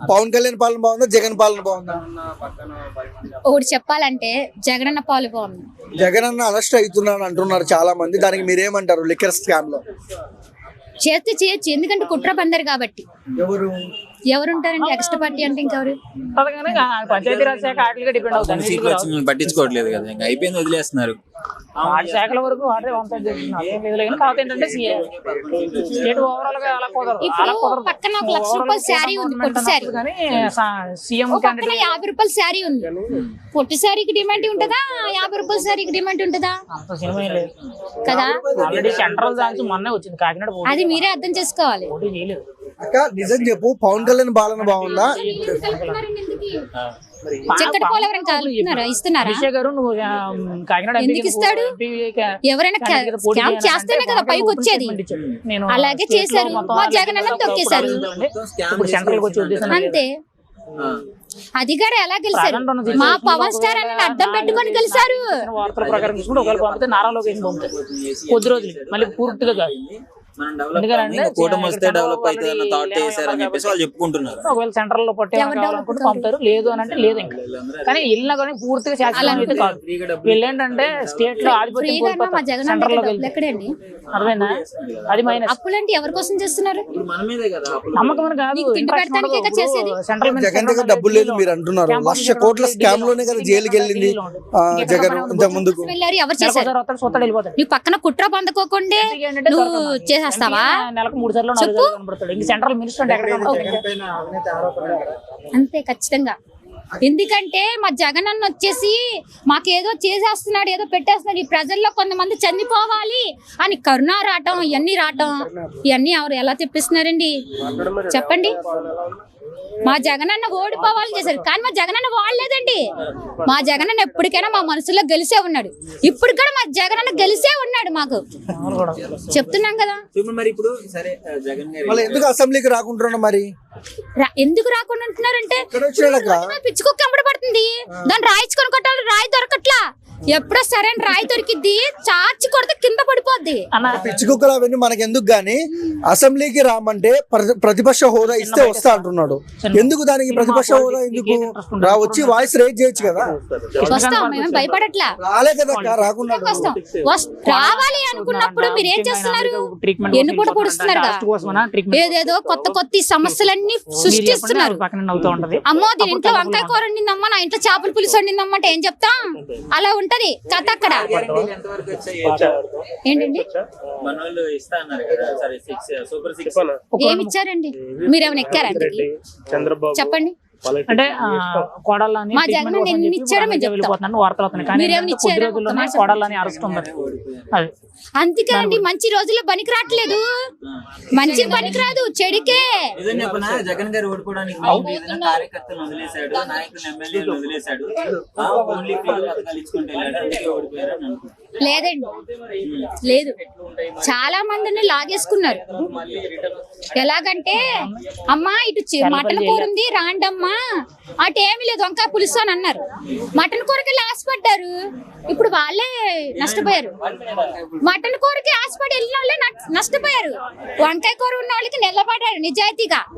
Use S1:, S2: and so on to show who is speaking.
S1: పవన్ కళ్యాణ్ పాలన బాగుందా, జగన్ పాలన బాగుందా?
S2: ఒకటి చెప్పాలంటే జగనన్న పాలు బాగుంది.
S1: జగన్ అన్న అరెస్ట్ అవుతున్నాను అంటున్నారు చాలా మంది, దానికి మీరేమంటారు? లిక్కర్ స్కామ్ లో
S2: చేస్తే చేయొచ్చు, ఎందుకంటే కుట్ర బందరు కాబట్టి. ఎవరుంటారండి ఎక్స్ట్రా పార్టీ అంటే ఇంకెవరు?
S3: పంచాయతీరాజ్ శాఖ వాటికి డిపెండ్ అవుతుంది.
S4: సీట్లు వచ్చి పట్టించుకోవట్లేదు కదా, ఇంకా అయిపోయింది, వదిలేస్తున్నారు.
S3: వాటి శాఖల వరకు వాటే పంచాయతీ చేస్తున్నారు. ఏం లేదు కానీ కాకపోతే ఏంటంటే స్టేట్ ఓవరాల్ గా అలా కుదరదు.
S2: ఇప్పుడు పక్కన 1 లక్ష రూపాయల శారీ ఉంది, పొట్టి శారీ.
S3: కానీ సీఎం
S2: పక్కన 50 రూపాయల శారీ ఉంది. పొట్టి శారీకి డిమాండ్ ఉంటుందా, 50 రూపాయల శారీకి డిమాండ్ ఉంటుందా?
S3: అంత సినిమా లేదు
S2: కదా.
S3: ఆల్రెడీ సెంట్రల్ దానికి మొన్నే వచ్చింది కాకినాడ.
S2: అది మీరే అర్థం చేసుకోవాలి.
S3: పోటీ చేయలేదు.
S1: అక్క నిజం చెప్పు, పవన్ కళ్యాణ్ పాలన బాగుందా?
S2: చక్కటి పోలు ఎవరైనా కలుపుతున్నారా, ఇస్తున్నారా?
S3: విజయ్ గారు నువ్వు కాకినాడ
S2: ఎందుకు ఇస్తాడు? ఎవరైనా స్కామ్ చేస్తేనే కదా పైకి వచ్చేది. అలాగే చేశారు, మా జగన్ అన్న తొక్కేశారు
S3: ఇప్పుడు సెంట్రల్ వచ్చి ఉద్దేశం
S2: అంతే. అది కూడా ఎలా గెలిచారు? మా పవన్ స్టార్ అని అడ్డం పెట్టుకొని గెలిచారు.
S3: వార్తల ప్రకారం చూసుకుంటే ఒకవేళ పంపితే నారా లోకేష్ పంపుతారు కొద్ది రోజులు, మళ్ళీ పూర్తిగా కాదు.
S4: కూటమి వస్తే డెవలప్ అవుతుంది అన్న థాట్ చేశారని చెప్పేసి వాళ్ళు చెప్పుకుంటున్నారు.
S3: ఒకవేళ సెంట్రల్ లో పట్టాలనుకుంటే పంపుతారు, లేదు అని అంటే లేదు. ఇంకా కానీ వెళ్ళినా కానీ పూర్తిగా శాశ్వతం అయితే కాదు. వీళ్ళు ఏంటంటే స్టేట్ లో ఆధిపత్యం సెంట్రల్ లో
S2: ఎక్కడండి
S3: అర్థమైందా? అది మైనస్.
S2: అప్పులంటే ఎవరి కోసం చేస్తున్నారు?
S3: నమ్మకం అని కాదు,
S1: సెంట్రల్ జగన్ దగ్గర డబ్బులు లేదు మీరు అంటున్నారు. 1 లక్ష కోట్ల స్కామ్ లోనే కదా జైలుకి వెళ్ళింది జగన్. ఇంత ముందుకు
S2: ఎవరు చేశారు? నువ్వు పక్కన కుట్ర పొందుకోకుండా నువ్వు చేసేస్తావా?
S3: నెలకు 3 సార్లు 4 సార్లు కనబడతాడు. ఇంక సెంట్రల్ మినిస్టర్
S2: అంతే ఖచ్చితంగా. ఎందుకంటే మా జగన్ అన్న వచ్చేసి మాకేదో చేసేస్తున్నాడు, ఏదో పెట్టేస్తున్నాడు. ఈ ప్రజల్లో కొంతమంది చనిపోవాలి అని కరుణ రావటం, ఇవన్నీ రావటం, ఇవన్నీ ఎవరు ఎలా తెప్పిస్తున్నారండి చెప్పండి? మా జగనన్న ఓడిపోవాలని చేశారు, కానీ మా జగనన్న వాడలేదండి. మా జగనన్న ఎప్పటికైనా మా మనసులో గెలిసే ఉన్నాడు. ఇప్పుడు కూడా మా జగనన్న గెలిసే ఉన్నాడు. మాకు చెప్తున్నాం కదా.
S1: ఎందుకు అసెంబ్లీకి రాకుంటున్నా? మరి
S2: ఎందుకు రాకుండా ఉంటున్నారంటే పిచ్చుకుక్క పడుతుంది, దాన్ని రాయించుకొని కొట్టాలి, రాయి దొరకట్లా. ఎప్పుడో సరైన రాయి దొరికిద్ది, చాచి కొడితే కింద పడిపోద్ది.
S1: పిచ్చి కుక్కలు అవన్నీ మనకి ఎందుకు గానీ అసెంబ్లీకి రామంటే ప్రతిపక్ష హోదా ఇస్తే వస్తా అంటున్నాడు. ఎందుకు దానికి ప్రతిపక్ష హోదా ఎందుకు? వచ్చి వాయిస్ రేజ్ చేయొచ్చు కదా.
S2: వస్తాం, మేము భయపడట్లా.
S1: రాలే కదా రాకుండా
S2: రావాలి అనుకున్నప్పుడు మీరు ఏం చేస్తున్నారు? ఎన్ని పూట పొడుస్తున్నారు, ఏదేదో కొత్త కొత్త సమస్యలన్నీ సృష్టిస్తున్నారు. అమ్మో దీని ఇంట్లో వంకాయ కూర వండిందమ్మా, నా ఇంట్లో చేపల పులుసు వండిందమ్మా అంటే ఏం చెప్తాం? అలా ఉంటది కథ అక్కడ. ఏంటండి ఏమి ఇచ్చారండి? మీరేమైనా ఎక్కారా? చెప్పండి.
S3: అంటే కోడళ్ళని
S2: మా జగన్ ఎన్ని ఇచ్చారో మేము చెప్తాం.
S3: వార్తలు అవుతున్నాయి, కానీ కొద్ది రోజుల్లోనే కోడళ్ళని అరెస్ట్ ఉంది.
S2: అందుకే అండి మంచి రోజుల్లో పనికి రావట్లేదు, మంచి పనికి రాదు, చెడుకే.
S4: జగన్ గారు ఓడిపోవడానికి కార్యకర్తలు వదిలేశాడు, నాయకులు ఎమ్మెల్యేలు వదిలేశాడు,
S2: లేదండి లేదు, చాలా మందిని లాగేసుకున్నారు. ఎలాగంటే అమ్మా ఇటు మటన్ కూర ఉంది రాండమ్మా, అటు ఏమి లేదు వంకాయ పులుసు అని అన్నారు. మటన్ కూరకి ఆశపడ్డారు, ఇప్పుడు వాళ్ళే నష్టపోయారు. మటన్ కూరకి ఆశపడి వెళ్ళిన వాళ్ళే నష్టపోయారు. వంకాయ కూర ఉన్న వాళ్ళకి నిలబడ్డారు నిజాయితీగా.